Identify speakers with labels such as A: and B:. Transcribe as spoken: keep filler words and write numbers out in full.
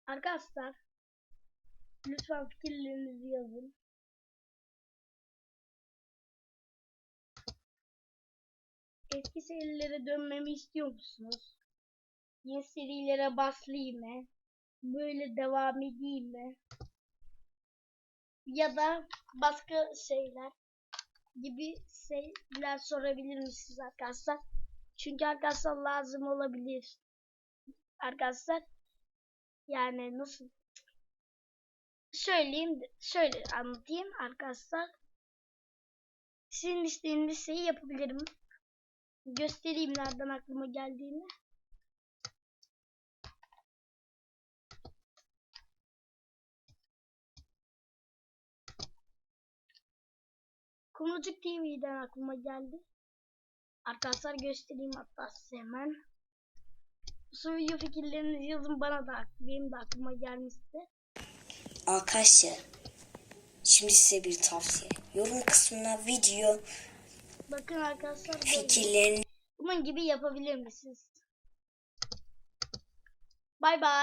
A: Arkadaşlar lütfen fikirlerinizi yazın. Eski serilere dönmemi istiyor musunuz? Yeni serilere başlayayım mı? Böyle devam edeyim mi? Ya da başka şeyler gibi şeyler sorabilir misiniz arkadaşlar? Çünkü arkadaşlar lazım olabilir. Arkadaşlar yani nasıl söyleyeyim, şöyle anlatayım arkadaşlar. Sizin istediğiniz şeyi yapabilirim. Göstereyim nereden aklıma geldiğini. Kumrucuk T V'den aklıma geldi. Arkadaşlar göstereyim hatta size hemen. Bu video fikirlerinizi yazın bana da, benim de aklıma gelmişti.
B: Arkadaşlar şimdi size bir tavsiye. Yorum kısmına video
A: Bakın arkadaşlar
B: fikirlerini
A: bunun gibi yapabilir misiniz? Bay bay.